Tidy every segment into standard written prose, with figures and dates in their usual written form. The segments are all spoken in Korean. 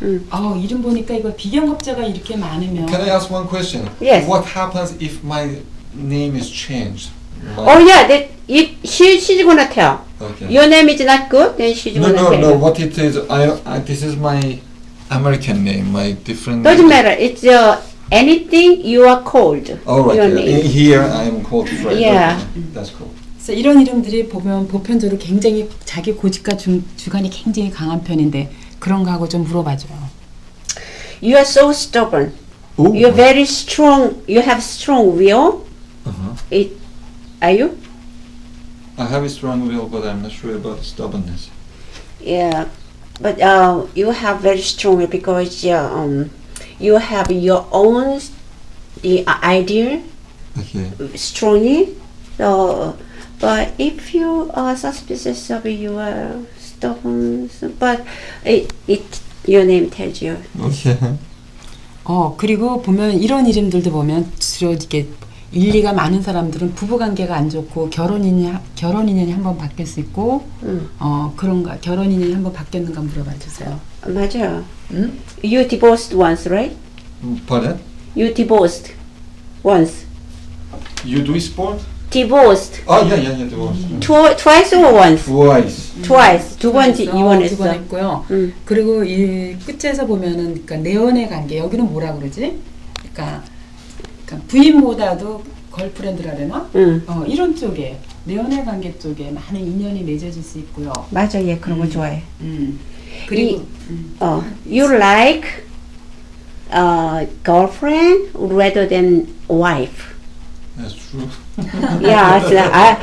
이름 보니까 이거 비경업자가 이렇게 많으면. Can I ask one question? Yes. What happens if my name is changed? Oh yeah, that if she's gonna tell. Okay. Your name is not good, then she's No, gonna no, tell. no. you. What it is? This is my American name. My different. Doesn't matter. It's anything you are called. All right. Your Yeah. name. Here I am called Fred. Yeah. Okay. That's cool. 그래서 이런 이름들이 보면 보편적으로 굉장히 자기 고집과 주관이 굉장히 강한 편인데 그런 거하고 좀 물어봐줘요. You are so stubborn. Ooh. You're very strong. You have strong will. Are you? I have a strong will, but I'm not sure about stubbornness. Yeah, but you have very strong will because you have your own the idea Okay. strongly. So, but if you are suspicious of your stubborn, but your name tells you. Okay. 그리고 보면 이런 이름들도 보면 주로 이렇게 일리가 많은 사람들은 부부 관계가 안 좋고 결혼 인연이 한번 바뀔 수 있고 그런가 결혼 인연이 한번 바뀌었는가 물어봐 주세요. 맞아. You divorced once, right? Pardon? You divorced once. You do sport? Divorced. Oh yeah. Divorce. Twice or once? Twice. Twice. 두 번 두 번 이혼했어. 했고요. 그리고 이 끝에서 보면은 그러니까 내연의 관계 여기는 뭐라 그러지? 그러니까 부인보다도 걸프렌드라 그러나? 이런 쪽에 내연의 관계 쪽에 많은 인연이 맺어질 수 있고요. 맞아, 얘 그런 거 좋아해. 그리고 You like girlfriend rather than wife. That's true. Yeah, so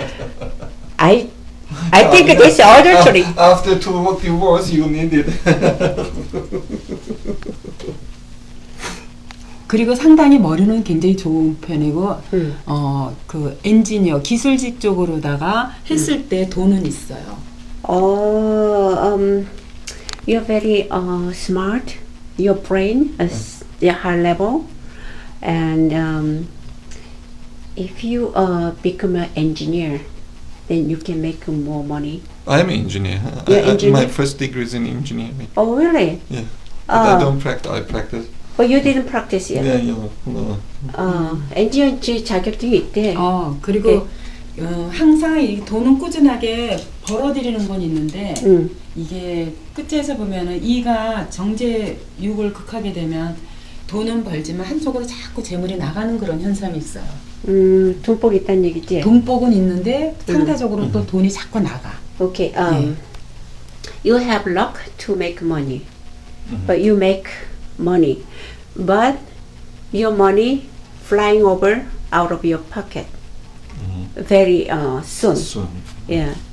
I think this adultery. After two divorce, you need it. 그리고 상당히 머리는 굉장히 좋은 편이고 그 엔지니어 기술직 쪽으로다가 했을 때 돈은 있어요. You're very smart. Your brain is the high level, and if you become an engineer, then you can make more money. I'm an engineer. You're engineer? My first degree is in engineering. Oh, really? Yeah. But I don't practice. I practice. But you didn't practice yet. Yeah. No. 엔지니어 자격증이 있대. 그리고 항상 이 돈은 꾸준하게 벌어들이는 건 있는데 이게 끝에서 보면은 이가 정제육을 극하게 되면 돈은 벌지만 한쪽으로 자꾸 재물이 나가는 그런 현상이 있어요. 돈복이 있다는 얘기지? 돈복은 있는데 상대적으로 또 돈이 자꾸 나가. Okay. You have luck to make money, but you make money, but your money flying over out of your pocket very soon. Soon. Yeah.